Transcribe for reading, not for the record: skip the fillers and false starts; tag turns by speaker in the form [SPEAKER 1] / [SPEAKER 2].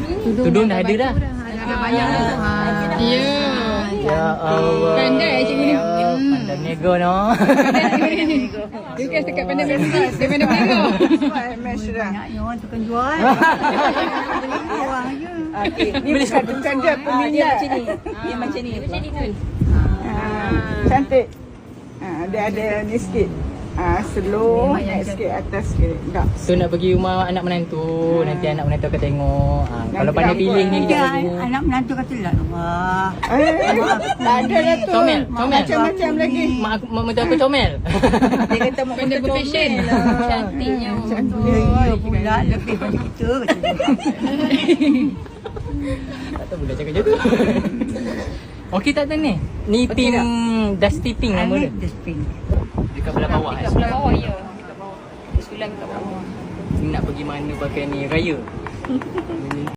[SPEAKER 1] Tudung dah ada dah.
[SPEAKER 2] Ada bayar dah. Ya.
[SPEAKER 1] Ya Allah.
[SPEAKER 2] Pandai cikgu ni.
[SPEAKER 1] Pandai nego no.
[SPEAKER 2] Dia kan dekat pandai nego. Dia pandai nego.
[SPEAKER 3] MS dah.
[SPEAKER 4] Nak orang tukang jual. Orang je.
[SPEAKER 3] Okey, ni bukan dia peminat.
[SPEAKER 4] Dia macam ni. Macam ni kan.
[SPEAKER 3] Cantik. Dia ada ni sikit. Slow, naik sikit atas sikit. Tak.
[SPEAKER 1] So nak pergi rumah anak menantu, nanti anak menantu akan tengok. Kalau pandai pilih ni
[SPEAKER 4] Dia
[SPEAKER 1] kejap lagi.
[SPEAKER 4] anak menantu kata lah. Wah.
[SPEAKER 3] Ada dah tu.
[SPEAKER 1] Comel, comel.
[SPEAKER 3] Macam-macam lagi.
[SPEAKER 1] Mak menantu aku comel.
[SPEAKER 3] Dia kata mak
[SPEAKER 2] Pandai
[SPEAKER 3] kita
[SPEAKER 2] berfashion. Cantiknya.
[SPEAKER 4] Ya pula lebih pada kita.
[SPEAKER 1] Tak tahu pula cakap macam tu. Okey tak tahu ni? Ni pink Dusty Pink nama dia.
[SPEAKER 4] Dustbin.
[SPEAKER 1] Dekat belah bawah.
[SPEAKER 2] Dekat belah bawah ya. Sekolah dekat bawah.
[SPEAKER 1] Nak pergi mana pakai ni raya?